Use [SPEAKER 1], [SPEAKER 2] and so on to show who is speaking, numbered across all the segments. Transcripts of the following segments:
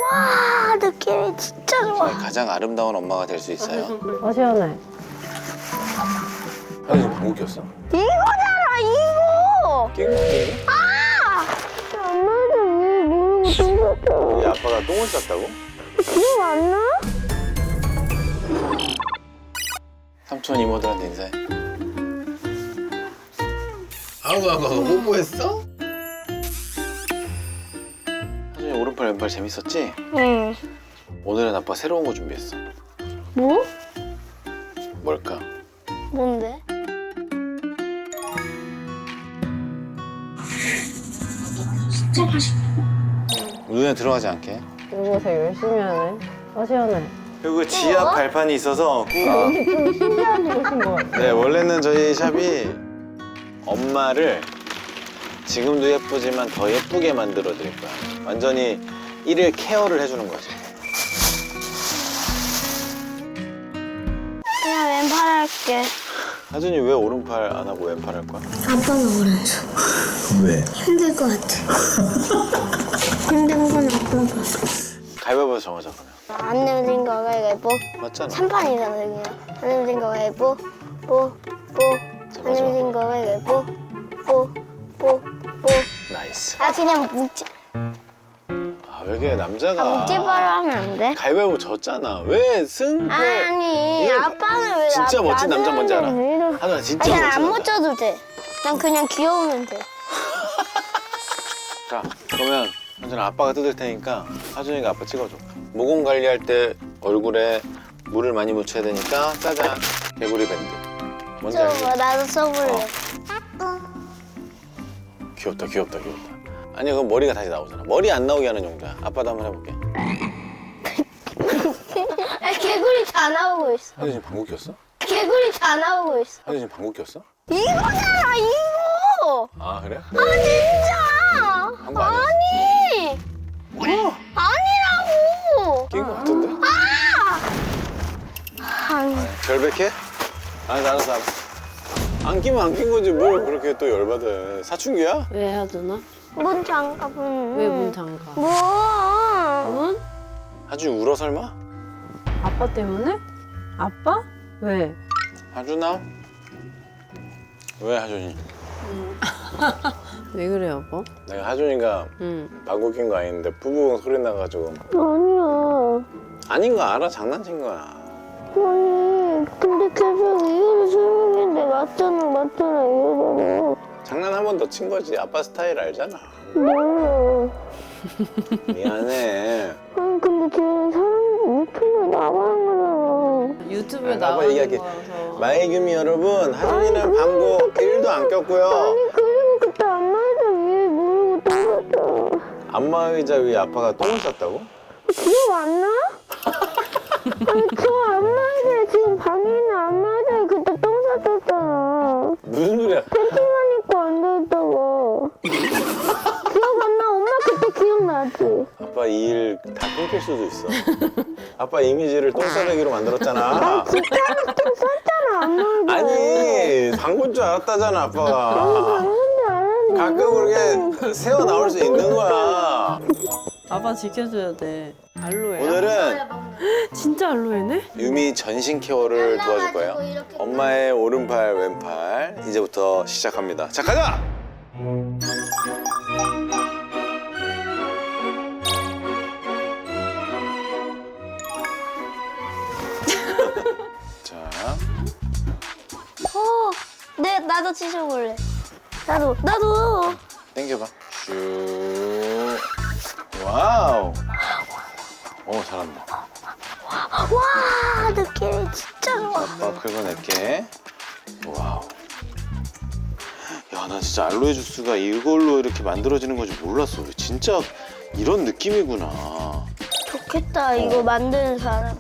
[SPEAKER 1] 와, 느낌이 진짜 좋아.
[SPEAKER 2] 가장 아름다운 엄마가 될 수 있어요.
[SPEAKER 3] 시원해.
[SPEAKER 2] 하루 지금 방귀 꼈어?
[SPEAKER 1] 이거잖아, 이거.
[SPEAKER 2] 낀 거?
[SPEAKER 1] 엄마도 왜 모르고 똥 쌌다.
[SPEAKER 2] 우리 아빠가 똥을 쌌다고?
[SPEAKER 1] 기억 안 나?
[SPEAKER 2] 삼촌 이모들한테 인사해. 아우 뽀뽀했어? 하준이 오른팔 왼팔 재밌었지?
[SPEAKER 1] 응.
[SPEAKER 2] 오늘은 아빠 새로운 거 준비했어.
[SPEAKER 1] 뭐?
[SPEAKER 2] 뭘까?
[SPEAKER 1] 뭔데?
[SPEAKER 2] 눈에 들어가지 않게.
[SPEAKER 3] 이거 되게 열심히 하네. 시원해.
[SPEAKER 2] 그리고 지압 발판이 있어서
[SPEAKER 3] 좀 신기한 곳인 것 같아.
[SPEAKER 2] 네, 원래는 저희 샵이 엄마를 지금도 예쁘지만 더 예쁘게 만들어 드릴 거야. 완전히 일일 케어를 해주는 거지.
[SPEAKER 1] 그냥 왼팔 할게.
[SPEAKER 2] 하준이 왜 오른팔 안 하고 왼팔 할 거야?
[SPEAKER 1] 아빠는 오른손.
[SPEAKER 2] 왜?
[SPEAKER 1] 힘들 것 같아. 힘든 건 아빠가.
[SPEAKER 2] 가위바위보 정하자 그러면.
[SPEAKER 1] 안 내면 거 가위바위보.
[SPEAKER 2] 맞잖아.
[SPEAKER 1] 3판이잖아, 그냥. 안 내면 거 가위바위보. 안 내면 거 가위바위보. 뽀.
[SPEAKER 2] 나이스.
[SPEAKER 1] 아, 그냥 묵지.
[SPEAKER 2] 아, 왜 이렇게 남자가
[SPEAKER 1] 묵지바로 하면 안 돼?
[SPEAKER 2] 가위바위보 졌잖아. 왜 승부?
[SPEAKER 1] 아니,
[SPEAKER 2] 이거
[SPEAKER 1] 아빠는 왜
[SPEAKER 2] 진짜 멋진 남자 뭔지 알아?
[SPEAKER 1] 왜 이러-
[SPEAKER 2] 하준아 진짜
[SPEAKER 1] 그냥
[SPEAKER 2] 멋진
[SPEAKER 1] 안
[SPEAKER 2] 남자.
[SPEAKER 1] 멋져도 돼. 난 그냥 귀여우면 돼.
[SPEAKER 2] 자, 그러면 하준아 아빠가 뜯을 테니까 하준이가 아빠 찍어줘. 모공 관리할 때 얼굴에 물을 많이 묻혀야 되니까 짜잔 개구리 밴드. 뭔지 알지?
[SPEAKER 1] 저 나도 써볼래.
[SPEAKER 2] 귀엽다. 아니 그건 머리가 다시 나오잖아. 머리 안 나오게 하는 용도야. 아빠도 한번 해볼게.
[SPEAKER 1] 개구리 다 나오고 있어.
[SPEAKER 2] 하준이 지금 방귀 꼈어?
[SPEAKER 1] 개구리 다 나오고 있어.
[SPEAKER 2] 하준이 지금 방귀 꼈어?
[SPEAKER 1] 이거잖아, 이거.
[SPEAKER 2] 아 그래?
[SPEAKER 1] 진짜.
[SPEAKER 2] 한거 아니었어?
[SPEAKER 1] 아니. 아니라고.
[SPEAKER 2] 낀 거 같은데?
[SPEAKER 1] 아니.
[SPEAKER 2] 결백해? 알았어. 안 끼면 안 낀 거지 뭘 그렇게 또 열받아. 사춘기야?
[SPEAKER 3] 왜 하드나?
[SPEAKER 1] 문 잠가보면.
[SPEAKER 3] 왜 문 잠가?
[SPEAKER 1] 뭐?
[SPEAKER 3] 문?
[SPEAKER 2] 하준이 울어 설마?
[SPEAKER 3] 아빠 때문에? 아빠? 왜?
[SPEAKER 2] 하준아? 왜 하준이?
[SPEAKER 3] 왜 그래 여보?
[SPEAKER 2] 내가 하준이가
[SPEAKER 3] 응.
[SPEAKER 2] 방귀 낀 거 아닌데 부부응 소리 나가지고
[SPEAKER 1] 아니야.
[SPEAKER 2] 아닌 거 알아? 장난친 거야.
[SPEAKER 1] 아니. 근데 계속 이거를 설명했는데 맞잖아 이러잖아.
[SPEAKER 2] 장난 한 번 더 친 거지. 아빠 스타일 알잖아.
[SPEAKER 1] 몰라.
[SPEAKER 2] 미안해.
[SPEAKER 1] 아니 근데 쟤 사람 유튜브에 나가는 거잖아.
[SPEAKER 3] 유튜브에
[SPEAKER 2] 아빠
[SPEAKER 3] 나오는
[SPEAKER 2] 얘기할게.
[SPEAKER 3] 거라서.
[SPEAKER 2] 마이규미 여러분, 하준이는 방구 1도 안 꼈고요.
[SPEAKER 1] 아니 그리고 그때 안마의자 위에 모르고 똥 쌌잖아.
[SPEAKER 2] 안마의자 위에 아빠가 똥을 쌌다고?
[SPEAKER 1] 기억 안 나? 아니 저 안마의자에 지금 방에 있는 안마의자에 그때 똥 쌌었잖아.
[SPEAKER 2] 무슨 소리야?
[SPEAKER 1] 팬티만 입고 앉아있다가. 기억 안 나? 엄마 그때 기억나지?
[SPEAKER 2] 아빠 이 일 다 끊길 수도 있어. 아빠 이미지를 똥싸대기로 만들었잖아.
[SPEAKER 1] 진짜 똥 쌌잖아 안마의자에.
[SPEAKER 2] 아니, 방구인 줄 알았다잖아, 아빠가.
[SPEAKER 1] 근데 알았는데
[SPEAKER 2] 가끔 그렇게 새어 나올 수 있는 거야.
[SPEAKER 3] 아빠 지켜줘야 돼. 알로에야?
[SPEAKER 2] 오늘은
[SPEAKER 3] 진짜 알로에네?
[SPEAKER 2] 유미 전신 케어를 도와줄 거예요.
[SPEAKER 1] 이렇게
[SPEAKER 2] 엄마의 오른팔, 왼팔 이제부터 시작합니다. 자, 가자! 자,
[SPEAKER 1] 나도 치셔볼래. 나도.
[SPEAKER 2] 당겨봐. 쭉. 와우. 잘한다.
[SPEAKER 1] 와, 느낌이 진짜 좋아.
[SPEAKER 2] 아빠 긁어낼게. 와우. 야, 나 진짜 알로에 주스가 이걸로 이렇게 만들어지는 건지 몰랐어. 진짜 이런 느낌이구나.
[SPEAKER 1] 좋겠다, 이거 만드는 사람.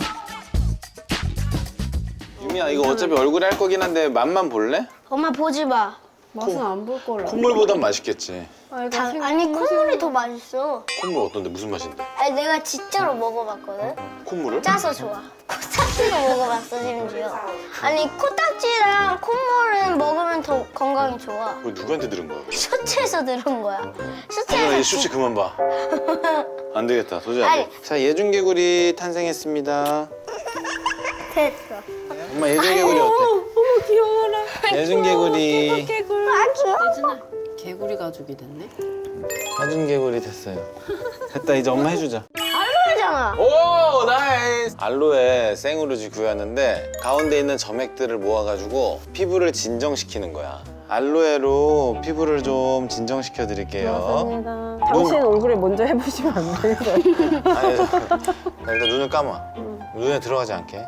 [SPEAKER 2] 유미야, 이거 어차피 얼굴에 할 거긴 한데 맛만 볼래?
[SPEAKER 1] 엄마 보지 마.
[SPEAKER 3] 맛은 안 볼 거라.
[SPEAKER 2] 콧물보단 맛있겠지.
[SPEAKER 1] 아니, 콧물이 더 맛있어.
[SPEAKER 2] 콧물 어떤데? 무슨 맛인데?
[SPEAKER 1] 아니, 내가 진짜로 먹어봤거든?
[SPEAKER 2] 콧물을?
[SPEAKER 1] 짜서 좋아. 코딱지도 먹어봤어 심지어. 아니 코딱지랑 콧물은 먹으면 더 건강이 좋아.
[SPEAKER 2] 뭐 누구한테 들은 거야?
[SPEAKER 1] 셔츠에서 들은 거야.
[SPEAKER 2] 이 슈츠 그만 봐. 안 되겠다. 도저히 안 돼.
[SPEAKER 1] 아니.
[SPEAKER 2] 자, 예중개구리 탄생했습니다.
[SPEAKER 1] 됐어.
[SPEAKER 2] 엄마 예중개구리 어때?
[SPEAKER 3] 어머 귀여워라.
[SPEAKER 2] 예중개구리.
[SPEAKER 3] 개굴.
[SPEAKER 1] 아 귀여워.
[SPEAKER 3] 예준아 개구리 가족이 됐네.
[SPEAKER 2] 예중개구리 됐어요. 됐다. 이제 엄마 해주자.
[SPEAKER 1] 알로에잖아.
[SPEAKER 2] 오, 나이스! 알로에 생우루지 구했는데 가운데 있는 점액들을 모아가지고 피부를 진정시키는 거야. 알로에로 피부를 좀 진정시켜 드릴게요.
[SPEAKER 3] 감사합니다. 당신 얼굴에 먼저 해보시면 안 되겠어요?
[SPEAKER 2] 아니, 일단 눈을 감아. 눈에 들어가지 않게.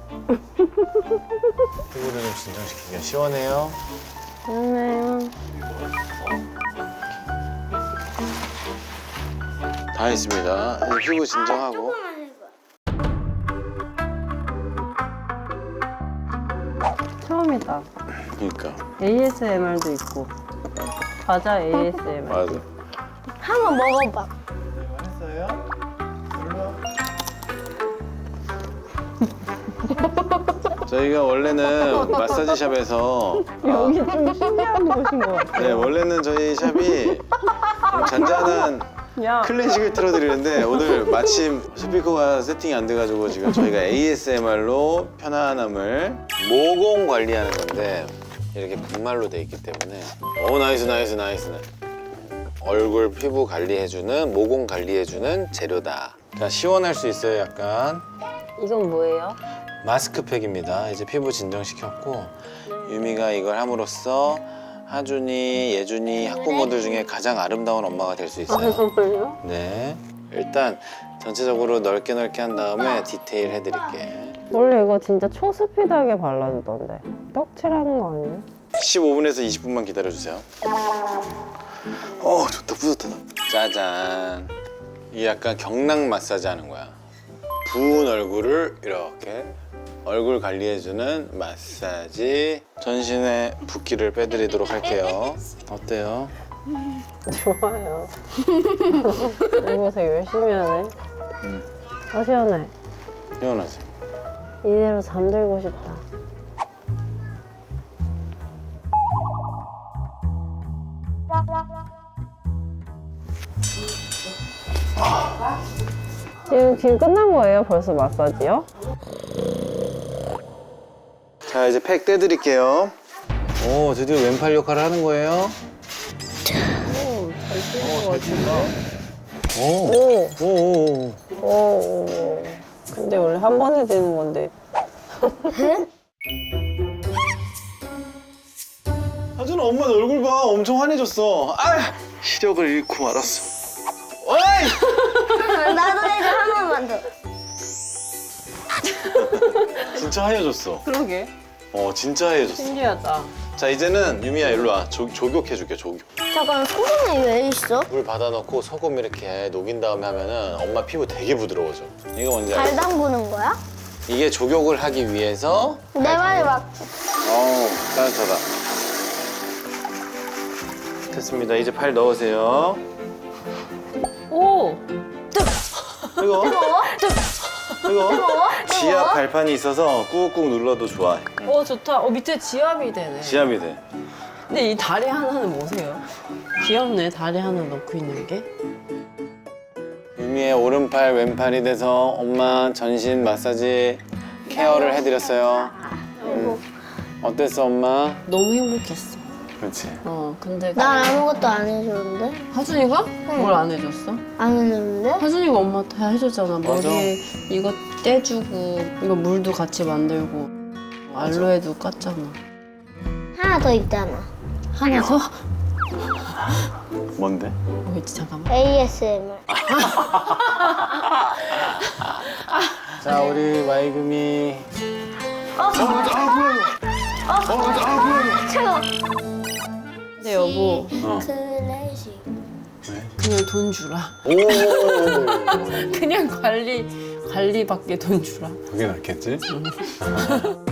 [SPEAKER 2] 피부를 좀 진정시키게. 시원해요?
[SPEAKER 3] 좋네요.
[SPEAKER 2] 다 했습니다. 이제 피부 진정하고.
[SPEAKER 3] 처음이다.
[SPEAKER 2] 그러니까.
[SPEAKER 3] ASMR도 있고. 과자 ASMR.
[SPEAKER 2] 맞아.
[SPEAKER 1] 한번 먹어봐.
[SPEAKER 2] 했어요? 저희가 원래는 마사지 샵에서
[SPEAKER 3] 여기 좀 신기한 곳인 것 같아.
[SPEAKER 2] 네, 원래는 저희 샵이 잔잔한
[SPEAKER 3] 야,
[SPEAKER 2] 클래식을 틀어드리는데 오늘 마침 스피커가 세팅이 안 돼가지고 지금 저희가 ASMR로 편안함을 모공 관리하는 건데 이렇게 분말로 돼 있기 때문에 나이스 나이스 나이스 얼굴 피부 관리해주는 모공 관리해주는 재료다. 그러니까 시원할 수 있어요. 약간
[SPEAKER 3] 이건 뭐예요?
[SPEAKER 2] 마스크팩입니다. 이제 피부 진정시켰고 유미가 이걸 함으로써 하준이, 예준이 학부모들 중에 가장 아름다운 엄마가 될 수 있어요.
[SPEAKER 3] 정말요?
[SPEAKER 2] 네. 일단 전체적으로 넓게 한 다음에 디테일 해드릴게.
[SPEAKER 3] 원래 이거 진짜 초스피드하게 발라주던데. 떡칠하는 거 아니에요?
[SPEAKER 2] 15분에서 20분만 기다려주세요. 좋다. 뿌듯하다. 짜잔. 이게 약간 경락 마사지 하는 거야. 부은 얼굴을 이렇게 얼굴 관리해주는 마사지. 전신의 붓기를 빼드리도록 할게요. 어때요?
[SPEAKER 3] 좋아요. 이거 되게 열심히 하네. 아, 시원해.
[SPEAKER 2] 시원하지?
[SPEAKER 3] 이대로 잠들고 싶다. 지금 끝난 거예요? 벌써 마사지요?
[SPEAKER 2] 자, 이제 팩 떼드릴게요. 오, 드디어 왼팔 역할을 하는 거예요.
[SPEAKER 3] 잘 쓰는 거 같은데?
[SPEAKER 2] 오, 오, 오.
[SPEAKER 3] 오. 근데 원래 한 번에 되는 건데.
[SPEAKER 2] 하준아, 엄마 너 얼굴 봐. 엄청 환해졌어. 시력을 잃고 말았어. 어이!
[SPEAKER 1] 나도 해줘 한 번만 더.
[SPEAKER 2] 진짜 하얘졌어.
[SPEAKER 3] 그러게.
[SPEAKER 2] 진짜 하얘졌어.
[SPEAKER 3] 신기하다.
[SPEAKER 2] 자, 이제는 유미야 일로 와. 조격해줄게, 조격.
[SPEAKER 1] 잠깐 소금이 왜 있어?
[SPEAKER 2] 물 받아놓고 소금 이렇게 녹인 다음에 하면은 엄마 피부 되게 부드러워져. 이거 뭔지
[SPEAKER 1] 발
[SPEAKER 2] 알지?
[SPEAKER 1] 담그는 거야?
[SPEAKER 2] 이게 조격을 하기 위해서.
[SPEAKER 1] 내 말이 맞지?
[SPEAKER 2] 따뜻하다. 됐습니다. 이제 발 넣으세요.
[SPEAKER 3] 오!
[SPEAKER 2] 이거
[SPEAKER 1] 뜨거워?
[SPEAKER 2] 지압 발판이 있어서 꾹꾹 눌러도 좋아.
[SPEAKER 3] 좋다. 밑에 지압이 되네.
[SPEAKER 2] 지압이 돼.
[SPEAKER 3] 근데 이 다리 하나는 뭐세요? 귀엽네, 다리 하나 넣고 있는 게.
[SPEAKER 2] 유미의 오른팔, 왼팔이 돼서 엄마 전신 마사지 케어를 해드렸어요. 어땠어, 엄마?
[SPEAKER 3] 너무 행복했어.
[SPEAKER 2] 그렇지.
[SPEAKER 3] 근데
[SPEAKER 1] 난 아무것도 안 해줬는데?
[SPEAKER 3] 하준이가? 뭘 안 해줬어?
[SPEAKER 1] 안 해줬는데?
[SPEAKER 3] 하준이가 엄마 다 해줬잖아.
[SPEAKER 2] 맞아.
[SPEAKER 3] 머리에 이거 떼주고, 이거 물도 같이 만들고, 알로에도 깠잖아.
[SPEAKER 1] 하나 더 있잖아.
[SPEAKER 3] 하나 더?
[SPEAKER 2] 뭔데?
[SPEAKER 3] 있지, 잠깐만.
[SPEAKER 1] ASMR.
[SPEAKER 2] 자, 우리 마이금이.
[SPEAKER 1] 차가워.
[SPEAKER 3] 근데 여보,
[SPEAKER 1] 클래식.
[SPEAKER 3] 그냥 돈 주라.
[SPEAKER 2] 오.
[SPEAKER 3] 그냥 관리밖에 돈 주라.
[SPEAKER 2] 그게 낫겠지?